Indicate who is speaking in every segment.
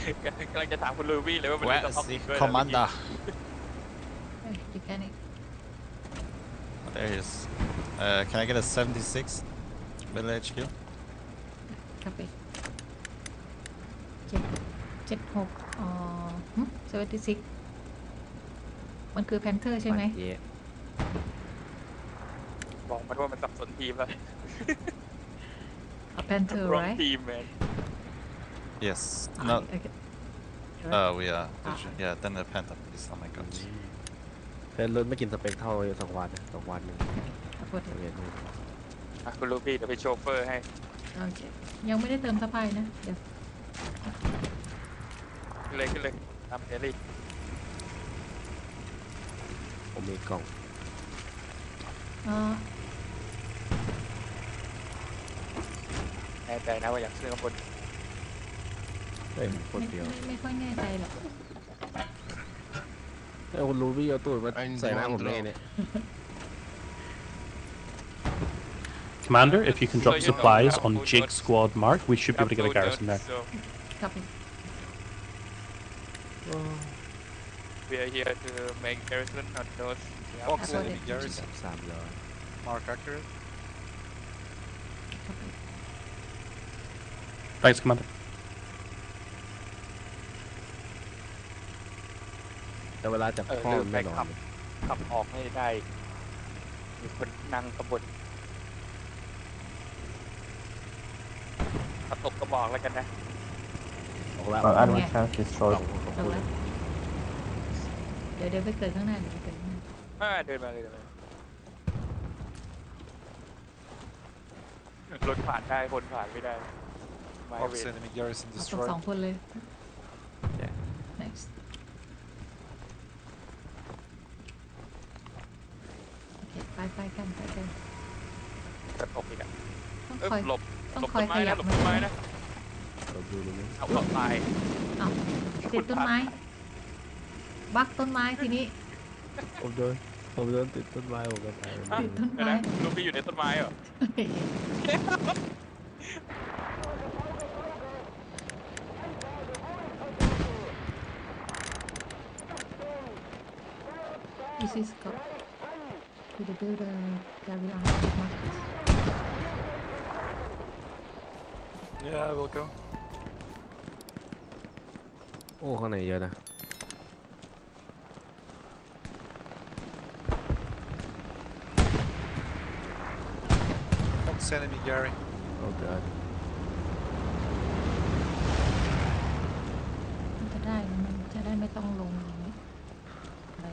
Speaker 1: กำลังจะถามคุณลูบี้เลยว่ามัน
Speaker 2: Where
Speaker 1: จะ
Speaker 2: is
Speaker 1: ต้อง
Speaker 2: the
Speaker 1: ด้วย
Speaker 2: commander?
Speaker 3: You can
Speaker 2: There he is. Can I get a 76 Middle HQ?
Speaker 3: ครับไป7676มันคือแพนเทอร์ใช่ไหม
Speaker 1: บอกมันว่ามันสับสนทีมแล้ว
Speaker 3: แพนเทอร์
Speaker 1: wrong
Speaker 3: right
Speaker 1: team man
Speaker 2: Yes. No.
Speaker 3: okay.
Speaker 2: We are. Yeah. Then the Panther, please. Oh my god.
Speaker 4: แต่รถไม่กินสเปคเท่า2 วันนะ2 วันนึง
Speaker 3: ขอโทษที
Speaker 1: คุณลูบี้เดี๋ยวไปโชเฟอร์ให้
Speaker 3: โอเคยังไม่ได้เติมสะพายนะเดี๋ยว
Speaker 1: ขึ้นเลยตามเฮลี่
Speaker 4: ผมมีกล่อง
Speaker 1: แน่ใจนะว่าอยากขึ้นข้างบน
Speaker 4: คนเดียว
Speaker 3: ไม่ค่อยแน่ใจหรอก
Speaker 4: แล้วคุณรู้พี่เอาตูดมาใส่หน้าผมได้ไงเนี่ย
Speaker 5: Commander, if you can drop supplies on Jig Squad Mark, we should be able to get a garrison there.
Speaker 3: Copy.
Speaker 1: We are here to make garrison on those.
Speaker 2: Fox
Speaker 3: Absolutely.
Speaker 2: enemy garrison.
Speaker 4: 300
Speaker 2: Mark accurate.
Speaker 3: Copy.
Speaker 5: Thanks, Commander.
Speaker 4: แต่เวลาจับข้อมันไม่นอน
Speaker 1: ขับออกไม่ได้มีคนนั่งขบวนขับตกกระบอกแล้วกันนะ
Speaker 4: ออกแล้ว
Speaker 3: enemy tank destroyed. เดี๋ยวไปเกิดข้างหน้าเดี๋ยวไปเกิดข้างหน้า
Speaker 1: เดินมาเลยรถผ่านได้คนผ่านไม่ได้ไม่
Speaker 2: Fox
Speaker 1: เว
Speaker 2: enemy garrison
Speaker 3: เอา
Speaker 2: destroyed.
Speaker 3: 2 คนเลย next โอเคไปกัน
Speaker 1: จะตกอีกอ่ะ
Speaker 3: ต้องคอย
Speaker 1: หลบ
Speaker 3: ต้อง
Speaker 1: หลบ
Speaker 3: คอย
Speaker 1: ต้น
Speaker 3: ข
Speaker 1: ไม้
Speaker 3: ยั
Speaker 1: นะ
Speaker 3: บ
Speaker 1: หลบ
Speaker 3: มื
Speaker 1: ต้
Speaker 3: อน
Speaker 1: ไม้นะ
Speaker 4: เราดูเลยนะ
Speaker 1: เอาเข้าตาย
Speaker 3: เอาติดต้นไม้ บักต้นไม้ทีนี้
Speaker 4: ผมโดนติดต้นไม้ผมก็ตาย
Speaker 3: ติดต้นไม้
Speaker 1: ลูกพี่อยู่ในต้นไม้เหรอ
Speaker 3: This is go to the builder carry on markers.
Speaker 2: Yeah, I will go.
Speaker 4: โอ้ข้างในเยอะนะ
Speaker 2: Fox enemy Gary.
Speaker 4: โอ้เกิด
Speaker 3: มันจะได้มันจะได้ไม่ต้องลงอย่างนี้อะไร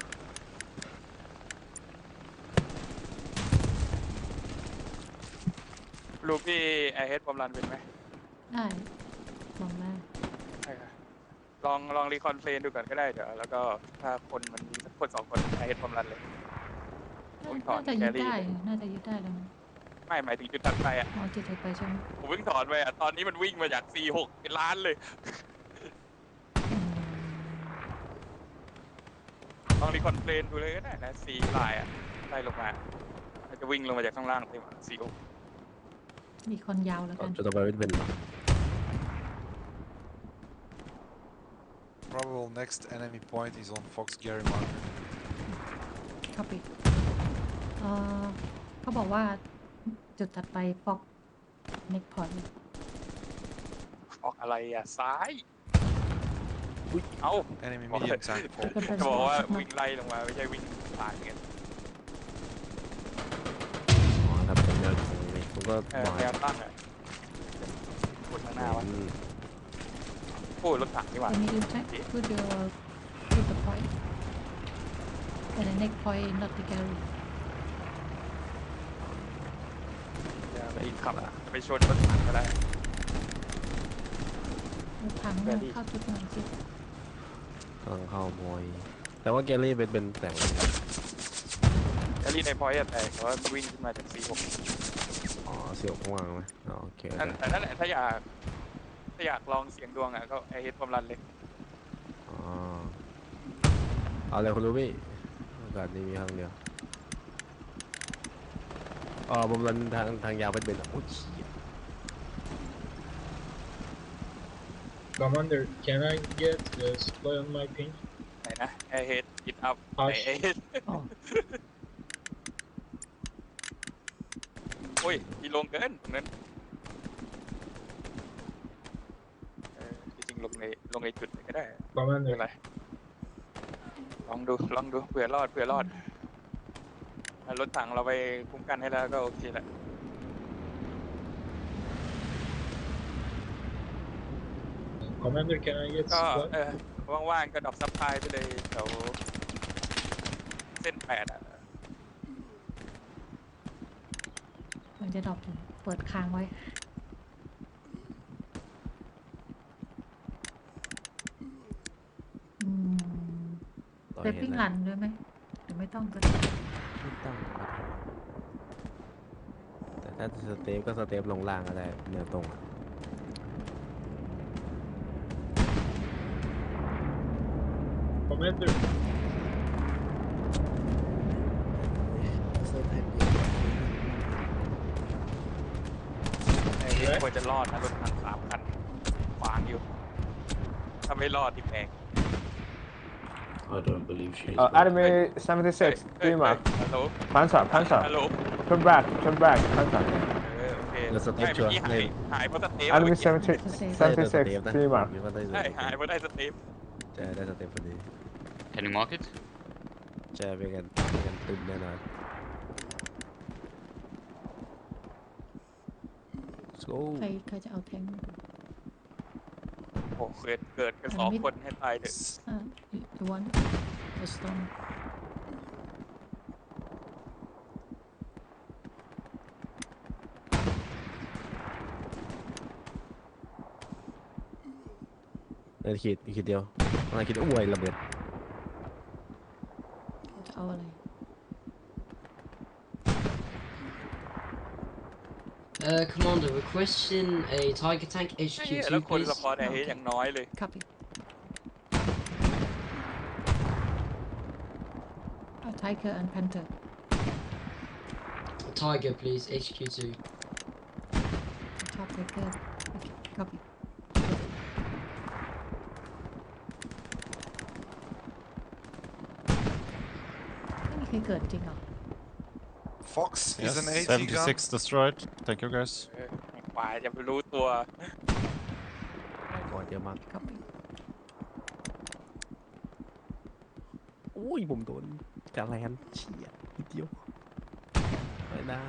Speaker 1: ลูกพี่ไอเฮดบอมรันเป็นไหม
Speaker 3: ได้ลองได้
Speaker 1: ใช่ค่ะลองรีคอนเฟลนดูก่อนก็ได้เดี๋ยวแล้วก็ถ้าคนมันมีสักคน2 คนไอเฮดบอมรันเลย ผมถอ
Speaker 3: น่าน จะยึด
Speaker 1: แครี่
Speaker 3: ได้น่าจะยึดได้แล้วนะ
Speaker 1: ไม่หมายถึงจุดตัดไปอ่ะ
Speaker 3: อ๋อจุดถัดไปใช่ไหม
Speaker 1: ผมเพิ่งถอนไปอ่ะตอนนี้มันวิ่งมาจาก C6 เป็นล้านเลย
Speaker 3: อืม
Speaker 1: ลองรีคอนเฟลนดูเลยก็ได้นะ C ลายอ่ะไล่ลงมามันจะวิ่งลงมาจากข้างล่างไปมา C6
Speaker 3: มีคนยาวแล้วกัน
Speaker 4: จะต่อไปเป็น
Speaker 2: Probable next enemy point is on Fox Gary marker.
Speaker 3: เข้าไปเขาบอกว่าจุดถัดไปฟอกเน็กพอยต์
Speaker 1: ออกอะไรอ่ะซ้าย เอ้า
Speaker 2: Enemy medium tank.
Speaker 1: จะบอกว่าวิ่งไล่ลงมาไม่ใช่วิ่งผ่านเงี้ย
Speaker 4: อ๋อทำเป็นแนวตรงนี้ผมก็บอก
Speaker 1: แนวตั้งอ่ะกดข้างหน้าวะโอ้ยรถถังนี่หว่า
Speaker 3: Can you check put the point and the next point not the gallery
Speaker 1: ไปขับไปชนรถถังก็ได้
Speaker 3: รถถังเนี่ยเข้าจุดหน่อยสิ
Speaker 4: กำลังเข้ามวยแต่ว่าแกลลี่เป็นแต่ง
Speaker 1: แอลลี่ในพอยต์แต่ว่าวิ่งขึ้นมาจาก C6
Speaker 4: อ๋อเสียวข้างล่างไหมอ๋อโอเค
Speaker 1: แต่นั่นแหละถ้าอยากลองเสียงดวงอ่ะก็ไอเฮดความรันเลย
Speaker 4: อ๋อเอาเลยคุณรู้พี่โอกาสนี้มีครั้งเดียวอ๋อผมรันทางยาวเป็นโอ้ย
Speaker 6: Commander, can I get the supply on my ping?
Speaker 1: ไหนนะไอเฮดกินอัพไหน
Speaker 6: Hush.
Speaker 1: ไอเฮด
Speaker 3: อ๋อ
Speaker 1: โอ้ยมีลงเกินตรงนั้นจริงๆลงในจุดไหนก็ได้ไม่เป็น
Speaker 6: Commander,
Speaker 1: ไรลองดูเผื่อรอดถ้ารถถังเราไปคุ้มกันให้แล้วก็โอเคแหละ
Speaker 6: Commander, can I get
Speaker 1: ก็
Speaker 6: supply?
Speaker 1: ว่างๆก็ดรอปซัพพลายไปเลยแถวเส้น8อ่ะ
Speaker 3: มันจะดรอปเปิดค้างไว้ อืม
Speaker 4: ต่อ
Speaker 3: เซฟ
Speaker 4: เห็น
Speaker 3: ปิ้ง
Speaker 4: แล้ว
Speaker 3: รันด้วยไหมหรือไม่ต้องก็ได้
Speaker 4: ไม่ต้องแต่ถ้าสเตปก็สเตปลงล่างก็ได้แนวตรงอะ
Speaker 6: Commander,
Speaker 1: ไอ้เฮดควรจะรอดนะรถถัง3 คันขวางอยู่ถ้าไม่รอดที่แพง
Speaker 5: I don't believe she is.
Speaker 7: Enemy 76, 3 mark.
Speaker 1: ฮัลโหล
Speaker 7: Panzer,
Speaker 1: ฮัล
Speaker 7: Panzer.
Speaker 1: โหล
Speaker 7: Turn back, Panzer.
Speaker 1: โอเค
Speaker 4: แล้วสเต
Speaker 1: ไม่
Speaker 4: ปชั
Speaker 1: เมื่
Speaker 4: ว
Speaker 1: อ
Speaker 4: ร์
Speaker 1: กี้
Speaker 4: ใน
Speaker 1: หายเพราะสเตป
Speaker 7: Enemy
Speaker 3: จะเซฟ
Speaker 4: ใช่ได้สเตป
Speaker 7: 76,
Speaker 4: นะ
Speaker 7: 3 mark.
Speaker 4: มีว่าได้ส
Speaker 1: ใช่
Speaker 4: เตป
Speaker 1: หายเพราะได้สเตป
Speaker 4: ใช่ได้สเตปพอดี
Speaker 8: Can you mark it?
Speaker 4: ใช่เป็นกันตึมแน่นอน Let's go
Speaker 3: ใครจะเอาแทงค์
Speaker 1: โอ้เกิดกัน2 คนให้ตายเถอะ
Speaker 3: you want the storm
Speaker 4: ขีดเดียวอะไรขีดอ้วยระเบิด
Speaker 3: จะเอาอะไร
Speaker 9: Commander, requesting a Tiger Tank
Speaker 1: ไอ้เหี้ยแล้ว
Speaker 9: HQ2,
Speaker 1: คนส
Speaker 9: please.
Speaker 1: ปอร์ตไอ้เฮดอย่างน้อยเลย
Speaker 3: copy เอา Tiger and Panther
Speaker 9: Tiger, please, HQ2.
Speaker 3: ชอบ Tiger okay, copy ไม่มีใครเกิดจริงเหรอ
Speaker 10: Fox
Speaker 2: Yes,
Speaker 10: is an AT gun.
Speaker 2: 76 destroyed. Thank you guys.
Speaker 1: กว่าจะไปรู้ตัว
Speaker 4: ก่อนเยอะมาก
Speaker 3: copy
Speaker 4: อุ้ยผมโดนจาแลนเฉียดนิดเดียวไม่ได้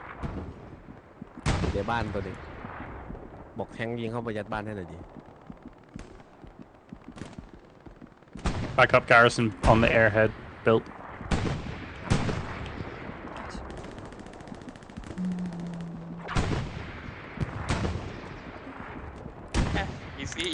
Speaker 4: อยู่ในบ้านตัวหนึ่งบอกแทงยิงเข้าไปยัดบ้านให้หน่อยดิ
Speaker 5: Backup garrison on the airhead built.
Speaker 1: อีซี่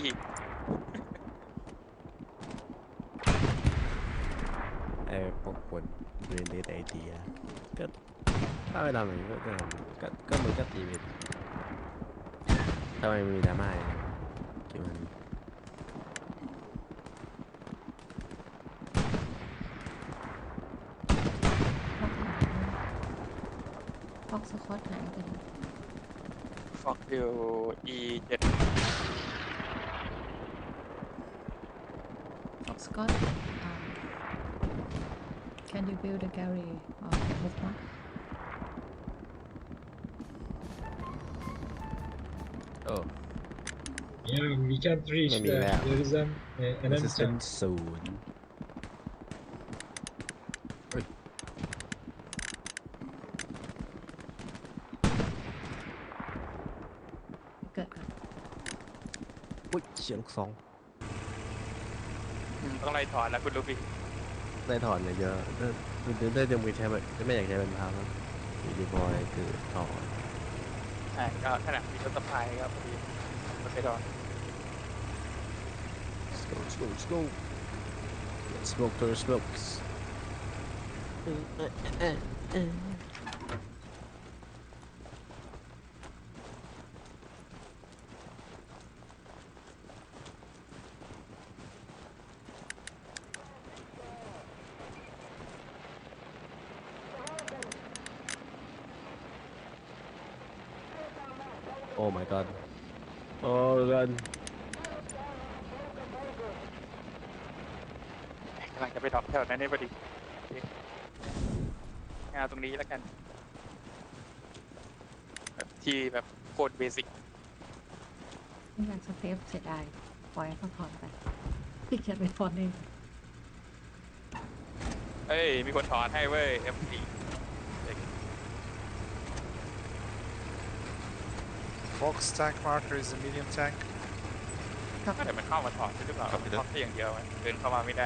Speaker 4: ไอ้พวกคนเรียนเดทไอทีอะก็ถ้าไม่ทำอย่างนี้ก็มันก็ตีเป็นถ้าไม่มีดราม่าเนี่ยคิดว่ามัน
Speaker 3: ฟ็อกสคอตหายไปไหน
Speaker 1: ฟอกอยู่ E7
Speaker 3: ฟ็อกสคอต can you build a gallery or move on
Speaker 4: Oh
Speaker 6: yeah, we can't reach
Speaker 4: Maybe
Speaker 6: that.
Speaker 4: that.
Speaker 6: There is an enemy tank.
Speaker 4: resistance 0
Speaker 3: เกิดก่อน
Speaker 4: อุ้ยเฉียลูกซอง
Speaker 1: ต้องไล่ถอนแล้วคุณลูฟี่
Speaker 4: ได้ถอนเนี่ยเยอะได้จะมือใช้แบบไม่อยากใช้เป็นพาแล้วมีดีบอยคือถอน
Speaker 1: ก็ขนาดมีรถสะพายครับพอดีรถไปถอน
Speaker 4: Let's go smoke to the smokes Oh my god. Oh god.
Speaker 1: ำลังจะไปดรอปแถวนั้นได้พอดีโอเคงานตรงนี้แล้วกันแบบที่แบบโคตรเบสิก
Speaker 3: ไม่อยากสเตปเสียดายปล่อยให้เขาถอนไปพี่เขียนไปฟอนเอง
Speaker 1: เอ้ยมีคนถอนให้เว้ย F4
Speaker 10: Fox tank marker is a medium tank.
Speaker 1: ก็เดี๋ยวมันเข้ามาถอนใช่หรือเปล่า
Speaker 2: ครับพี่เด้อ
Speaker 1: ถอนแค่อย่างเดียวไหมเดินเข้ามาไม่ได้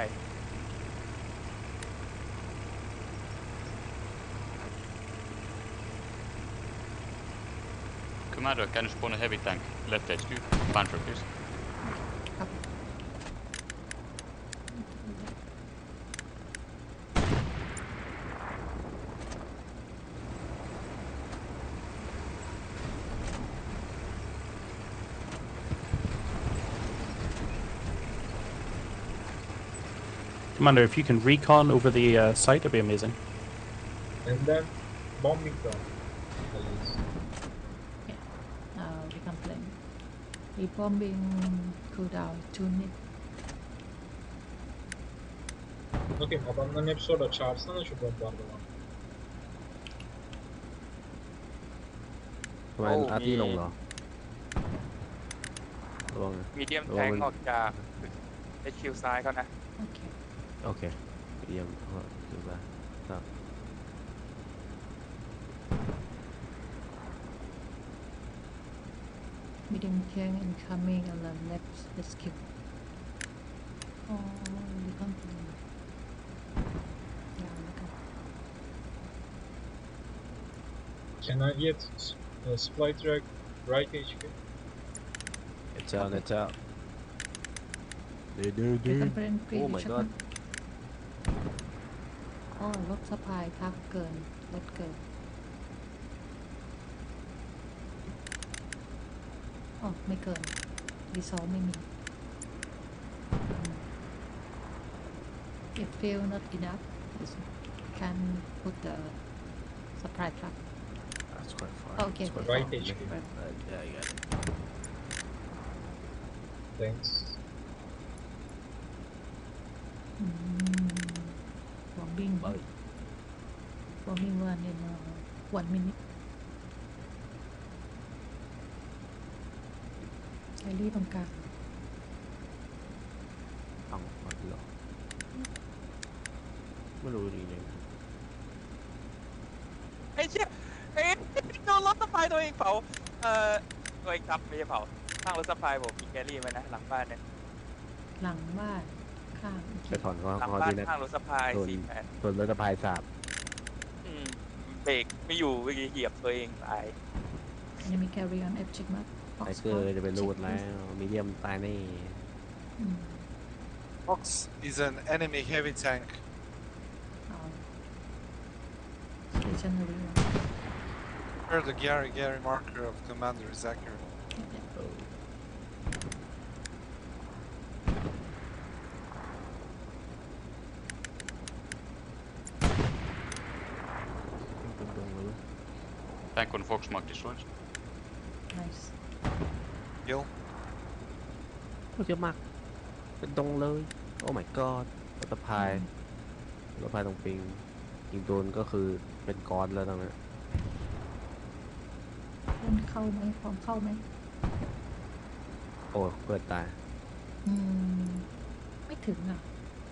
Speaker 2: Commander, can you spawn a heavy tank? Left HQ. Panther, please.
Speaker 3: ครับ
Speaker 5: Commander, if you can recon over the site, it'd be amazing.
Speaker 6: And then bombing down. Please.
Speaker 3: we complain rebombing cooldown 2 minutes.
Speaker 6: Bakayım adamların hepsi orada. Çağırsana şu bombardıman.
Speaker 4: ทำไมอาร์ตี้ลงเหรอระวังนะ
Speaker 1: มีเดียม
Speaker 4: ระ
Speaker 1: แท
Speaker 4: วัง
Speaker 1: ง
Speaker 4: มัน
Speaker 1: ออกจาก HQ ซ้ายเขานะ
Speaker 3: โอเค
Speaker 4: โอเคเยี่ยมคือว่าครับ
Speaker 3: medium tank incoming on the left rescue. Oh, we complain. Yeah, look at
Speaker 6: Can I get supply track right HQ?
Speaker 4: เจ้านะเจ้าดู
Speaker 3: we complain pre
Speaker 4: โอ้ my god
Speaker 3: อ๋อรถสะพายทับเกินรถเกินอ๋อไม่เกินรีซอสไม่มี if feel not enough you can put the supply truck
Speaker 4: that's quite far
Speaker 3: okay
Speaker 4: That's quite
Speaker 6: Right
Speaker 4: far.
Speaker 6: HQ.
Speaker 4: Yeah, I got it.
Speaker 6: Thanks.
Speaker 3: bombing bombing one in 1 minute ไอรี่ตรงกลาง
Speaker 4: เอาเอาดีหรอไม่รู้จริง
Speaker 1: ไอ้เชี่ยเอ้ยโดนรถสะพายตัวเองเผาตัวเองทับไม่ใช่เผาข้างรถสะพายผมมีแกรี่ไว้นะหลังบ้านเนี่ย
Speaker 3: หลังบ้านข้างอีก
Speaker 4: ๆไปถอนก็
Speaker 1: หลัง
Speaker 4: พอ
Speaker 1: บ้าน
Speaker 4: ดีนะ
Speaker 1: ข้างรถสะพาย
Speaker 4: ส่วน
Speaker 1: 48
Speaker 4: ส่วนรถสะพายสาบ
Speaker 1: เบรกไม่อยู่เมื่อกี้เหยียบตัวเองตาย
Speaker 3: enemy carry on F check mark
Speaker 4: ไอเกอร์จะไปรูดแล้วมีเดียมตายแน่
Speaker 10: Fox is an enemy heavy tank.
Speaker 3: stationary
Speaker 10: Where the Gary marker of commander is accurate.
Speaker 4: เป็นดงเลย
Speaker 2: Tank on Fox mark destroyed.
Speaker 3: nice
Speaker 10: Kill.
Speaker 4: โอ้เยอะมาก เป็นดงเลย โอ้ my god รถสะพายรถสะพายตรงปิงยิงโดนก็คือเป็นก้อนแล้วตรงนั้น
Speaker 3: คนเข้าไหมพร้อมเข้าไหม
Speaker 4: โอ้เปิดตาย
Speaker 3: ไม่ถึงอ่ะ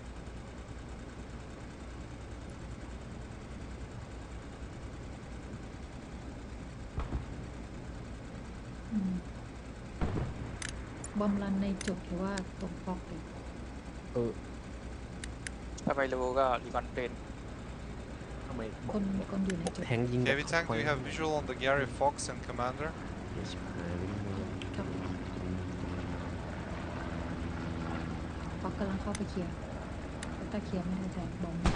Speaker 3: บอมรันในจุดหรือว่าตรงฟอกเลย
Speaker 1: ถ้าไม่รู้ก็รีคอนเฟน
Speaker 4: ทำไม
Speaker 3: คนอยู่ในจุด
Speaker 4: แทงยิง
Speaker 10: Heavy tank, do you have visual on the Gary Fox and commander?
Speaker 4: ไม่ใช่วิ่งมา
Speaker 3: ครับฟอกกำลังเข้าไปเคลียร์ถ้าเคลียร์ไม่ได้แต่บอม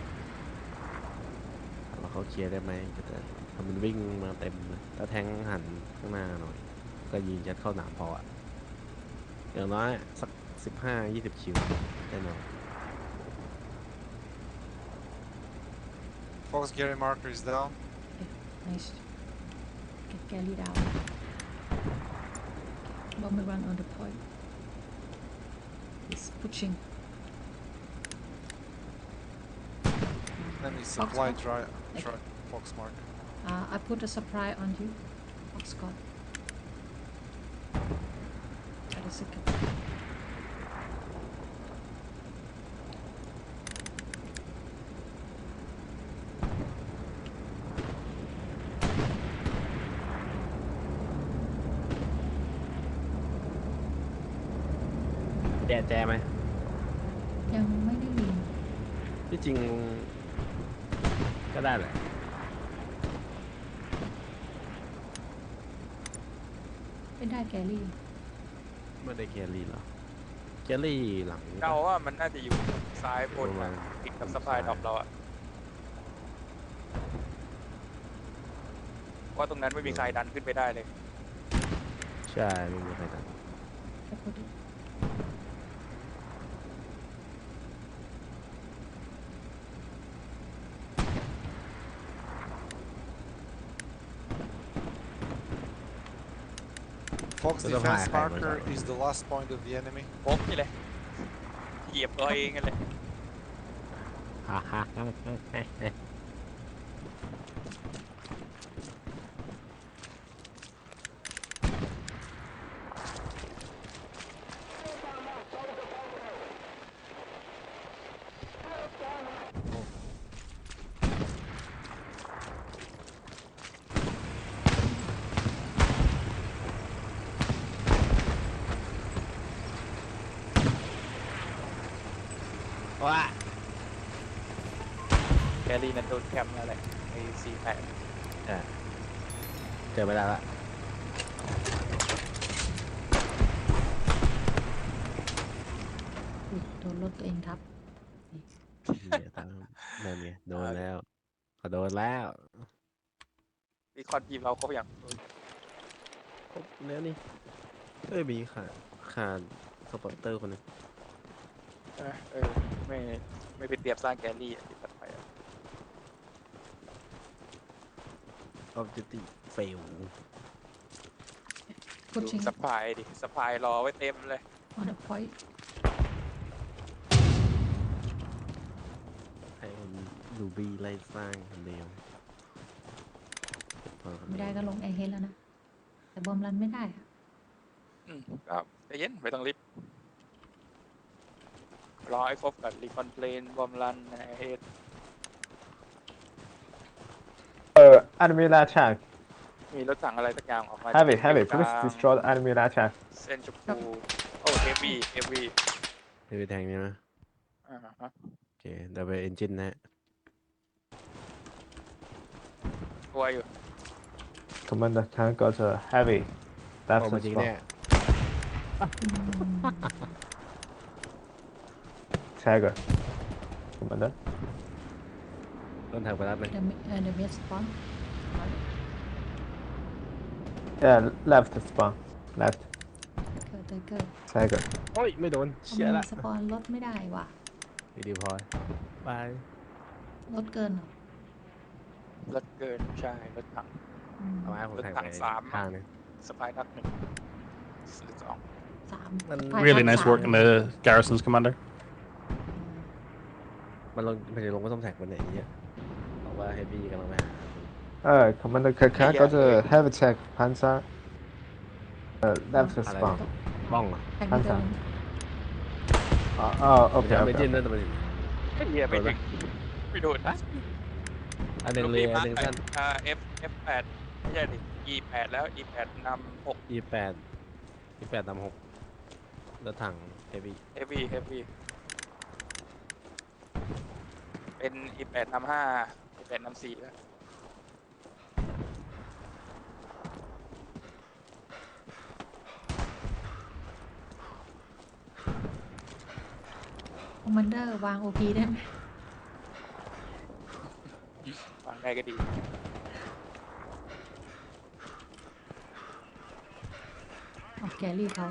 Speaker 4: ว่าเขาเคลียร์ได้ไหมก็จะทำมันวิ่งมาเต็มเลยถ้าแทงหันข้างหน้าหน่อย ก็ยิงยัดเข้าหนามพออะอย่างน้อยสัก15-20 คิวแน่นอน
Speaker 10: Fox Gary marker is down.
Speaker 3: nice get Gary down bomb run on the point he's pushing
Speaker 10: Enemy supply Fox Mark.
Speaker 3: I put a supply on you. Foxcott. Wait a second.
Speaker 4: แจไหม
Speaker 3: ยังไม่ได้ยิน
Speaker 4: ที่จริงก็ได้แหละ
Speaker 3: ไม่ได้แกลี่
Speaker 4: ไม่ได้แครี่หรอแครี่หลัง
Speaker 1: เดาว่ามันน่าจะอยู่ซ้ายบน
Speaker 4: ประมาณ
Speaker 1: ติดกับสปายดรอปเราอะเพราะตรงนั้นไม่มีใครดันขึ้นไปได้เลย
Speaker 4: ใช่ไม่มีใครท
Speaker 3: แค่พูดดิ
Speaker 10: Fox defense marker is the last point of the enemy.
Speaker 1: โป๊กนี่เลยเหยียบตัวเองกันเลย
Speaker 4: ำฮ่าฮ่าฮ่าฮ่า ว้า
Speaker 1: แกรี่นั้นโดนแคมป์แล้วแหละไอ้48
Speaker 4: เจอไม่ได้ละ
Speaker 3: อุ๊ยโดนรถตัวเองทับ
Speaker 4: เนี่ยตามนั่นไงโดนแล้วก็โดนแล้ว
Speaker 1: มีคอนทีมเราครบอย่าง
Speaker 4: ครบแล้วนี่มีขาดสปอร์เตอร์คนหนึง
Speaker 1: ไม่ไปเตรียมสร้างแกลลี่ที่ตัดไปอะ
Speaker 4: Objective fail
Speaker 3: พูด
Speaker 1: ดู
Speaker 3: จริง
Speaker 1: สปายดิสปายรอไว้เต็มเลย
Speaker 3: on the point
Speaker 4: ให้คนดูบีไล่สร้างคนเดียว
Speaker 3: ไม่ได้ก็ลงแอร์เฮดแล้วนะ แต่บอมรันไม่ได้อะ
Speaker 1: ก็ใจเย็นไม่ต้องรีบรอให้ครบกับรีคอนเพลนบอมรันเฮด
Speaker 7: Enemy light tank.
Speaker 1: มีรถถังอะไรสักอย่างออกมา
Speaker 7: Heavy,
Speaker 1: จาก
Speaker 7: heavy.
Speaker 1: กลาง
Speaker 7: Please destroy the enemy light tank.
Speaker 1: เส้นชมพูโอ้เฮฟวี่เฮฟวี่
Speaker 4: ไปแทงนี่นะ โอเคเดี๋ยวไปเอนจินนะ
Speaker 1: ตัวอยู่
Speaker 7: Commander tank got a heavy.
Speaker 4: โอ้
Speaker 7: Left
Speaker 4: มาจริง
Speaker 7: spawn.
Speaker 4: เนี่ย
Speaker 7: Tiger. Commander.
Speaker 4: ต้นทางไปรับเลย
Speaker 3: the mid spawn
Speaker 7: Yeah, left spawn. Left.
Speaker 3: เกิด
Speaker 7: Tiger.
Speaker 4: โอ้ยไม่โดน
Speaker 3: ทำ
Speaker 4: เชี่ย
Speaker 3: ไม
Speaker 4: ละ
Speaker 3: สปอนรถไม่ได้ว่ะ
Speaker 4: ดีพอยบาย
Speaker 3: รถเกินเหรอ
Speaker 1: รถเกินใช่รถถัง
Speaker 3: อืม
Speaker 4: เอาไม้ผมแทง
Speaker 1: รถถั
Speaker 4: ไป
Speaker 1: งสาม
Speaker 4: ข้างนึง
Speaker 1: สปายนัด1 หรือ 2
Speaker 3: สาม
Speaker 4: มัน
Speaker 3: ไฟ
Speaker 5: Really
Speaker 3: ทับ
Speaker 5: nice
Speaker 3: สาม
Speaker 5: work in the garrisons, Commander.
Speaker 4: มันจะลงก็ต้องแท็กมันไหนเงี้ยบอกว่าเฮฟวี่กำลังไปหา
Speaker 7: Commander Kakan got a heavy tank. Panzer. Left spawn.
Speaker 4: บ้องเหรอ
Speaker 3: แท็กไม่เดิน
Speaker 7: Okay,
Speaker 4: ไม่
Speaker 7: okay.
Speaker 4: จิ้นนั่นแต่มัน
Speaker 1: ไอ้เหี้ยไม่ถึงไม่โดน
Speaker 4: อันหนึ่งเลยอันหนึ่งสั้น
Speaker 1: F8 ไม่ใช่ดิ E8 แล้ว E8 นำ6
Speaker 4: E8 E8 นำ6รถถังเฮฟวี่
Speaker 1: Heavy เป็น E8 นำ5 E8 นำ4แล้ว
Speaker 3: คอมมานเดอร์วาง OP ได้ไหม
Speaker 1: ฟังได้ก็ดี
Speaker 3: เอาแกรี่เขา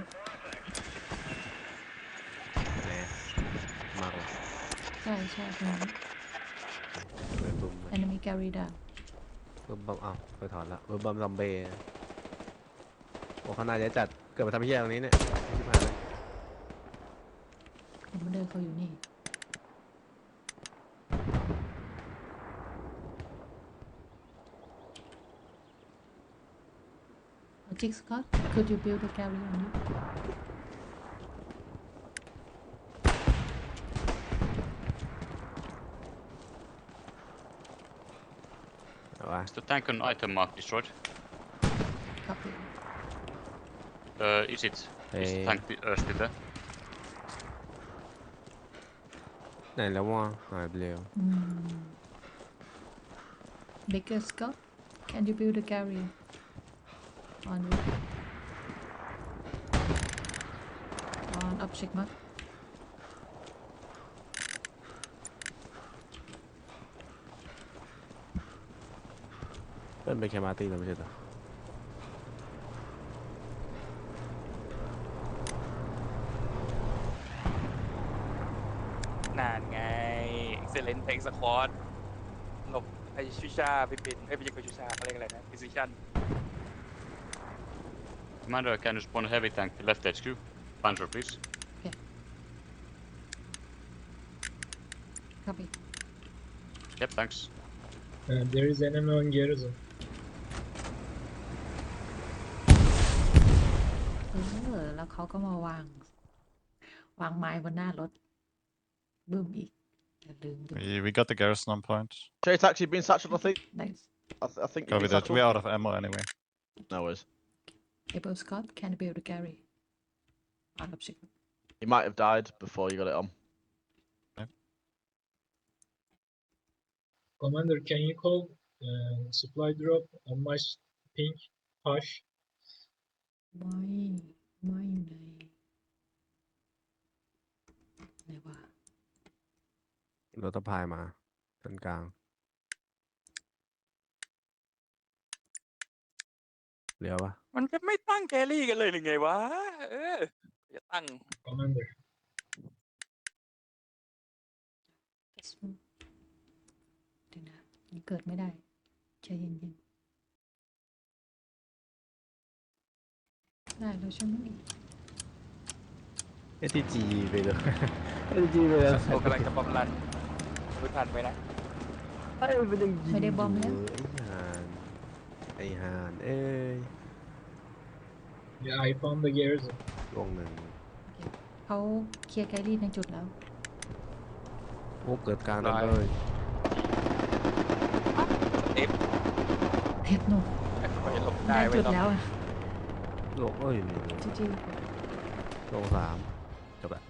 Speaker 4: แหมมากเลย
Speaker 3: ใช่ใช่ตรงนั้น
Speaker 4: เว็บบุม
Speaker 3: enemy carry down
Speaker 4: เว็บบอมอ้าวไปถอนละเว็บบอมซอมเบย์โอ้เขาน่าจะจัดเกิดมาทำเพี้ยตรงนี้เนี่ยชิบหายเลย
Speaker 3: คอมมานเดอร์เขาอยู่นี่ Jig Scott, could you build a gallery on it?
Speaker 4: เอาวะ
Speaker 8: Is the tank on item mark destroyed?
Speaker 3: Copy.
Speaker 8: Is it? Is
Speaker 4: Hey.
Speaker 8: the tank still there?
Speaker 4: ไหนแล้ววะหายไปแล้ว
Speaker 3: Bigger Scott, can you build a gallery on it? On object mark.
Speaker 4: เปิ้ลไปแคมาร์ตี้แล้วไม่ใช่เหรอ
Speaker 1: นานไง excellent tank squad หลบไอชูชาไปเป็นไม่ใช่ชูชาเขาเรียกอะไรนะ precision
Speaker 8: Commander, can you spawn a heavy tank to left HQ? Panzer, please.
Speaker 3: Copy.
Speaker 8: Yep, thanks.
Speaker 6: There is enemy on garrison.
Speaker 3: แล้วเขาก็มาวางไม้บนหน้ารถบึ้มอีกอย่าลืมดู
Speaker 2: We got the garrison on point.
Speaker 11: Trade's actually been satcheled, I think.
Speaker 3: Nice.
Speaker 11: I think.
Speaker 2: Copy that. We're out of ammo anyway.
Speaker 11: No worries.
Speaker 3: Able Scott, can you build a gallery on object?
Speaker 11: He might have died before you got it on.
Speaker 6: Commander, can you call supply drop on my pink hush?
Speaker 3: ไม่อยู่ไหนวะ
Speaker 4: รถตะพายมาตรงกลางเลี้ยวปะ
Speaker 1: มันก็ไม่ตั้งแกรี่กันเลยหรือไงวะ จะตั้ง
Speaker 6: Commander.
Speaker 3: เดี๋ยวนะนี่เกิดไม่ได้ใจเย็นๆได้แล้วใช่ไหม
Speaker 4: ATG ไปเลย ATG ไปเลย
Speaker 1: โอกำลังจะบอมรันรู้ทันไหมนะ
Speaker 4: ไอ้มันยังยิง
Speaker 3: ไม่ได้บอมแล้ว
Speaker 4: ไอ้ห่านเอ้ย
Speaker 6: Yeah, I found the garrison.
Speaker 4: ลงหนึ่ง
Speaker 3: เขาเคลียร์แกลลี่ในจุดแล้ว
Speaker 4: โอ้เกิดกลางนั้นเลย
Speaker 3: เพชรหนุ่ม
Speaker 1: เขาจะหลบ
Speaker 3: ได้
Speaker 1: ได้ไว้
Speaker 3: จุด
Speaker 1: ต้อง
Speaker 3: แล้วอะ
Speaker 4: ลงเอ้ยนี่
Speaker 3: จีจี
Speaker 4: ลง3จบละ